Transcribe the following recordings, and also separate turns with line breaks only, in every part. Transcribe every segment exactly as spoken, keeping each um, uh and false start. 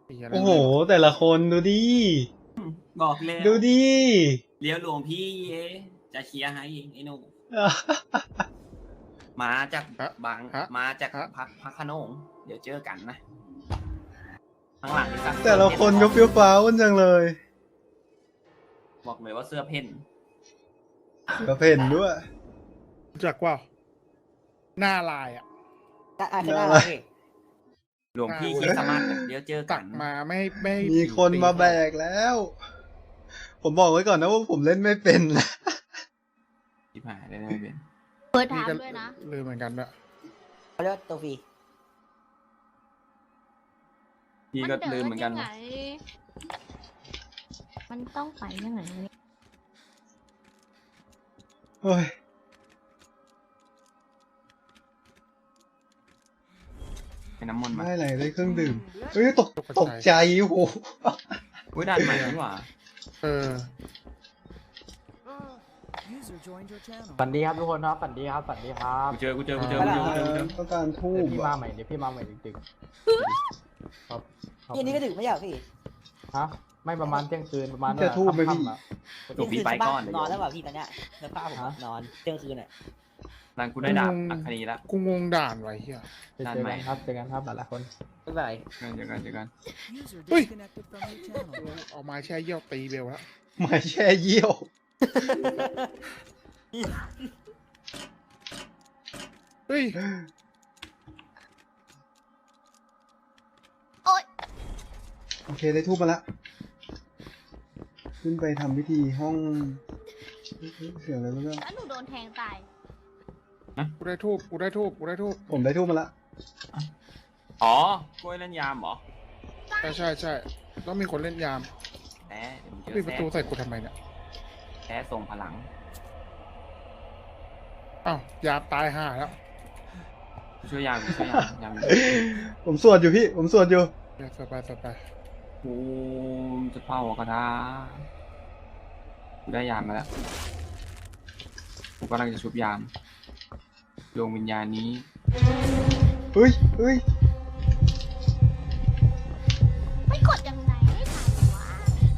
โอ้โหแต่ละคนดูดิ
บอกเลย
ดูดิ
เลี้ยวหลวงพี่เอจะเคลียร์ให้ไอ้หนูมาจากบางมาจากพักพักขนงเดี๋ยวเจอกันนะข้างหลังนี่ครับ
แต่ละคนก็เฟี้ยวฟ้าวจังเลย
บอกเลยว่าเสื้อเพ่น
กระเพ่นด้วย
จากว่าหน้าลายอ่ะ
อ่ะคือหน้าอะไรพี่
หลวงพี่คิดสมาร์ทเดี๋ยวเจอกั
ตั
น
กมาไม่ไม่
มีคนมาแบกแล้ว ผมบอกไว้ก่อนนะว่าผมเล่นไม่เป็นนะ
ที่ผ่านได้ไม่เป็น
เปิดถามด้วยนะ
ลืมเหมือนกันอะ
เขาเรียกว่าตัวฟรี
พี่ก็ลืมเหมือนกัน
มันต้องไปยังไง
เฮ้ย
เป็นน้ำมนต์มา
ได้อะไรได้เครื่องดื่มเฮ้ยตกตกใจโอ้โห
อุ้ยด่านใหม่นี่หว่า
เออ
ฝันดีครับทุกคนครับฝันดีครับฝันดีครับ
กูเจอกูเจอกูเจอกูเจอกูเจอกูเจอ
ต้องการทูบ
เดี๋ยวพี่มา
อะ
ใหม่เดี๋ยวพี่มาใหม่จริงๆครับ
พี่อันนี้ก็ดึกไม่ใช่เหรอพี่
ฮะไม่ประมาณเที่ยงคืนประมาณ
จะทูบไหมพี่
ค่ำๆอะ
หลวงพี่ไปก่อน
นอนแล้วเปล่าพี่ตอนเนี้ยเนื้อผ้าผมอะนอนเที่ยงคืนอ่ะ
หลังกูได้ดาบอัคคณีแล้ว
กูงงด่านไว้เฮีย
เจอกันครับเจอกันครับหลายๆคน
ไม่เป็นไร
เจอกันเจอกัน
เฮ้ยเอาไม้แช่เยี่ยวตีเบลแล้ว
ไม่แช่เยี่ยว
เฮ้ย
โอเคได้ทูบมาละขึ้นไปทำพิธีห้องเสียงอะไรไม่รู้
แล้วหนูโดนแทงตาย
กูได้ทูบกูได้ทูบกูได้ทูบ
ผมได้ทูบมาละ
อ๋อกล้วยเล่นยามเหรอ
ใช่ใช่ใช่ต้องมีคนเล่นยาม
แพ้เดี๋ยวมึงเจอ
ปิดประตูใส่กูทำไมเนี่ย
แพ้ส่งพลัง
อ้าว ยามตายห่าแล้ว
ช่วยยามช่วยยามยาม
ผมสวดอยู่พี่ผมสวดอยู่
เดี๋ยวสบายสบาย
กูจะเป่ากระดากูได้ยามมาแล้วกูกำลังจะชุบยามดวงวิญญาณนี้
เฮ้ยเฮ้ย
ไม่กดยังไงไม่ผ่านวะ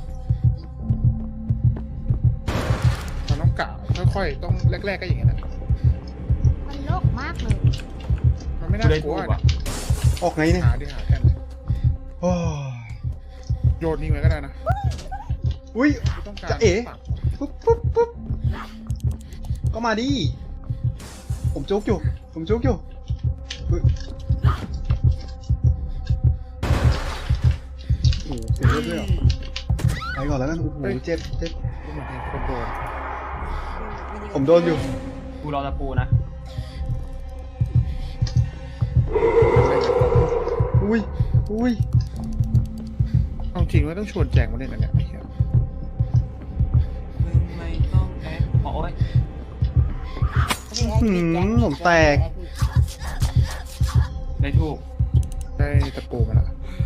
มันต้องกะค่อยๆต้องแรกๆก็อย่างเงี้ยนะ
มันโลกมากเลย
มันไม่
กู
น่า
ได้
กลั
ทู
ว
บ
นะ
อ่ะ
ออกไงเนี่ย
หาดิหากัน
โอ้ย
โยนทิ้งไว้ก็ได้นะ
อุ้ย
ไม่ต้องการ
จะเอ๋
ปรับ
ปุ๊บปุ๊บปุ๊บก็มาดิผมจุกอยู่ผมจุกอยู่เฮ้ยโอ้โหเสียเลือดด้วยเหรอไปก่อนแล้วกันโอ้โหเจ็บเจ็บ
กูเหมือนเห็นคนโดน
ผมโดนอยู่
กูรอตะปูนะ
อุ้ยอุ้ย
เอาจริงว่าต้องชวนแจงมาเล่นอันเนี้ยไอ้เหี้ย
ไม่ต้องแอบโอ้ย
หืมผมแตก
ได้ทูบ
ได้ตะปูมาแล้ว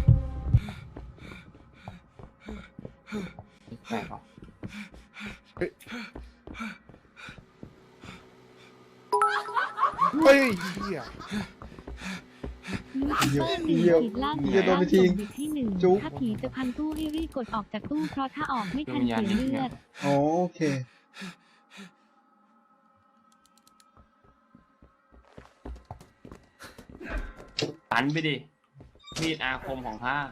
แปลกหรอ
เฮ้ยเฮ้ยเหี้ย
เยี่ยวเยี่ยวเยี่ยวโดนไปทิ้ง
ที่หนึ่ง
จุ๊บ
ถ้าผีจะพังตู้ให้รีบกดออกจากตู้เพราะถ้าออกไม่ทันเสียเลือด
อ๋อโอเค
ตันไปดิมีดอาคมของข้า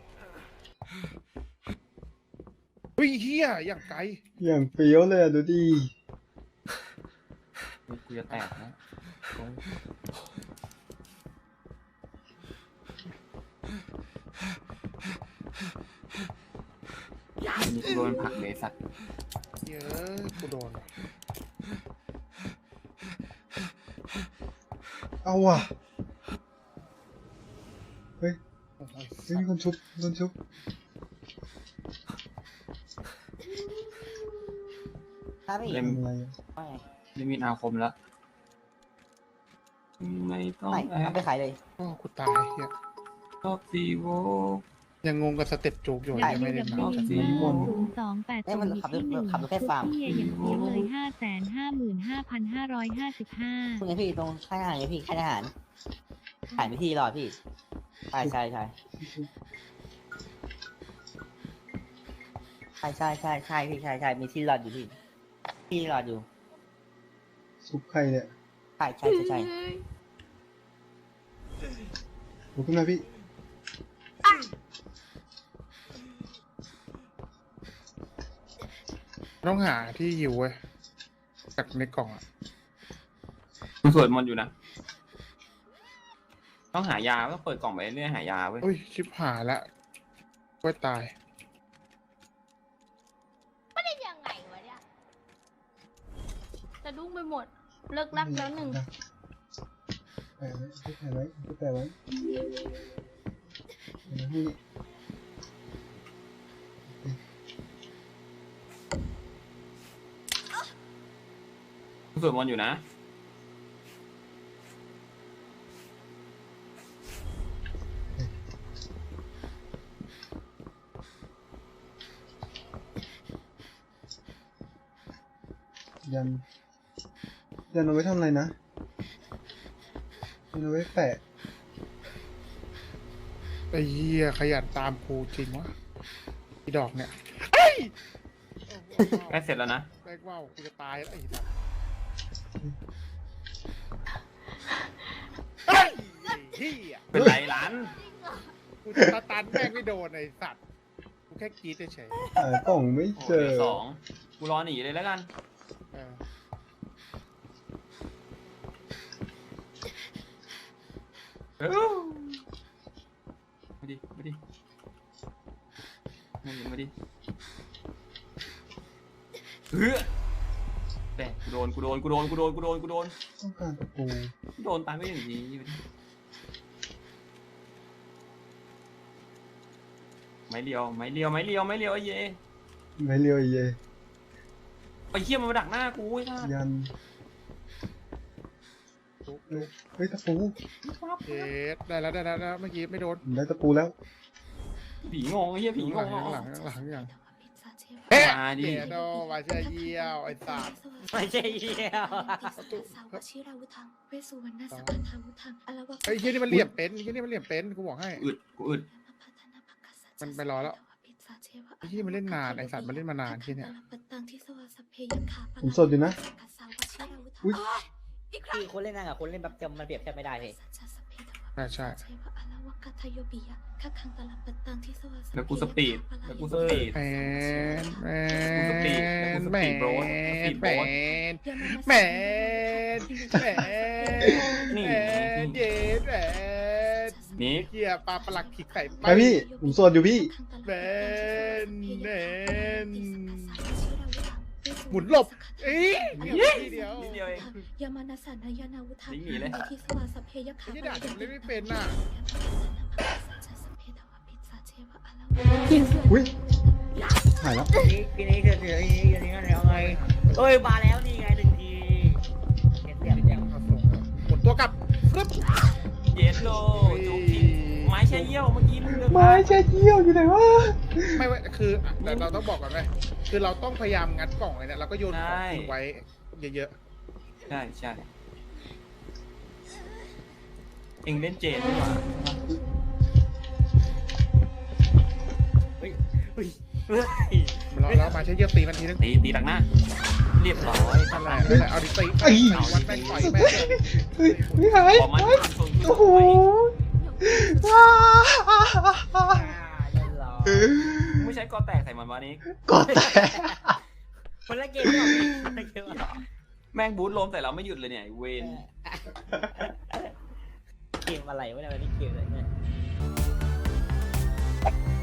เฮ้ยเหี้ยอย่างไกล
อย่างเฟี้ยวเลยอะดูดิ
กูจะแตกนะอันนี้กูโดนผลักเลยสัตว์
เยอะกูโดนว่ะ
เอาว่ะเฮ้ย
โอ้ย
เฮ้ยมีคนชุบมีคนชุบ
ครับพี่
เล่ม
ทำอะไรอะ
ว่าไง
เล่มมีดอาคมแล้วไม่ต้อง
ไม่
แอ
เอา
บ
ไปขายเลย
โอ้กูตายเหี้ย
ชอบซีโว
ยังงงกับสเต็ปโจกอยู่ยังไม่ได้
w
มา
w
สี่
w
วง
ศูนย์สองแปดศูนย์ที่หนึ่งทุกเฮียอย่างเพี้ยเลยห้าแสนห้าหมื่นห้าพันห้าร้อยห้าสิบห้า
คุณไงพี่ตรงค่ายทหารไงพี่ค่ายทหารขายไปที่รอพี่ใช่ใช่ใช่ใช่ใช่ใช่ใช่พี่ใช่ใช่มีที่รอดอยู่พี่ที่รอดอยู่
ซุปใครเนี่ย
ใช่ใช่ใช่ใช่
ลุกขึ้นมาพี่
ต้องหาที่ยิวเว้ยจากในกล่องอ่ะ
กูสวดมนต์อยู่นะ ต้องหายาต้องเปิดกล่องไปเรื่อยๆหายาเว้ย
อุ้ยชิบหายละกล้วยตาย
ไม่ได้ยังไงวะเนี่ยจะดุ้งไปหมด เลิกรักแล้วหนึ่ง
แปะไว้แปะไว้แปะไว้เดี๋ยวให้
กูสวดมนต์อยู่นะ
ยัน ยันเอาไว้ทำอะไรนะยันเอาไว้แปะ
ไอ้เหี้ยขยันตามกูจริงวะอีดอกเนี่ย
ใกล้เสร็จแล้วนะ
แม่งว่าวกูจะตายแล้วไอ้สัสเฮ้ยเหี้ย
เป็นไรหลาน
กูจะตาตันแม่งไม่โดนไอ้สัตว์กูแค่กรีดเฉย
หากล่องไม่
โอ้
เจ
เห
อ
ลือสองกูรอหนีเลยแล้วกัน
ๆเออ
เอ้ามาดิ มาดิ มาดิ มาดิเฮ้ยแต่กูโดน กูโดน กูโดน กูโดน กูโดน กูโดน
ต้องการตะปู
กูโดนตายไม่อย่างนี้มาดิไม้เลียว ไม้เลียว ไม้เลียว ไม้เลียวไอ้เย่
ไม่เลียวไอ้เย
ไอ้เหี้ยมันมาดักหน้ากูไอ้ท่า
ยัน
จุ๊บ
เอ้ยเฮ้ยตะปู
เจ็ดได้แล้วได้แล้วได้แล้วเมื่อกี้ไม่โดน
ผมได้ตะปูแล้ว
ผีงงไอ้เหี้ยผีง
ข้าง
ง
หลังข้างหลังข้างหลังข้างหลัง
มาดิ
เจ็ดโดมาเชียเยี่ยวไอ้สัตว์
ไม่ใช่เหี้ย
ไอ้เหี้ยนี่มันเหลี่ยมเป็นไอ้เหี้ยนี่มันเหลี่ยมเป็นกูบอกให้
อึด กูอึด
มันไปรอแล้วไอ้เหี้ยมันเล่นนานไอ้สัตว์มันเล่นมานานที่เนี่ย
ผมสดอยู่นะ อุ๊ย
พี่คนเล่นนั่งกับคนเล่นแบบจำมันเปรียบเทียบไม่ได้พี่
ใช่ใช่
แล้วกูสปีด แล้วกูสปีด
แมนแม
กูสปีด
น
กูส
แม
ปี
น
ดโบสสปีด
แม
โบ๊ท
นแมนแมน
นี่
แมนเย็ดแมน
นี่
เหี้ยปลาปลักขิกไข่
ไปพี่ ผมสดอยู่พี่
แมนแมนหมุนหลบเอ้ยเดียวเดียว
นิดเดียวเอง
ยามานาสานายานาวุธา
หนีเลย
ที่สวาสเพยขา
ไอ้ที่ด่าผมเล่นไม่เป็นน่ะ
อุ้ยหายแล้ว
นี่ทีนี้เถื่อนเถื่อนทีนี้ทีนี้อะไรเอาไงเอ้ยมาแล้วนี่ไงหนึ่งทีเห็นเสียงเสียง
เอาส่งแล้วหมุนตัวกลับปึ๊บ
เย็ดโลจุกทีไม้แช่เยี่ยวเมื่อกี้มึงเดิน
ไม้แช่เยี่ยวอยู่ไหนวะ
ไม่เว้ยคือแต่เราต้องบอกก่อนไหมคือเราต้องพยายามงัดกล่องเลยเนี่ยเราก็โยนของทิ้งไว้เยอะ
ใช่ใช่เอ็งเล่นเจนดีกว่า
เฮ้ยเฮ้ยเฮ้ย
ๆมันรอแล้วมาใช้เยอะตีมันทีนึง
ตีตีดักหน้า เรียบร้อย
นั่นแหละนั่นแหละเอาดิตีไปเอาวันแม่งต่อยแม่งเลย
เฮ้ยไม่หาย
ขอมัน
เฮ้ย
ส่ง
โอ้โหว้า
อ่าเรียบร้อย
ไม่ใช่กอแตกใส่มันวะนี้
กดแต่
คนละเกมไม่ออกพี่คนละเกมไม่ออก
แม่งบูทล้มแต่เราไม่หยุดเลยเนี่ยไอ้เวน
เกมอะไรวะเนี่ยวันนี้เกมอะไรเนี่ย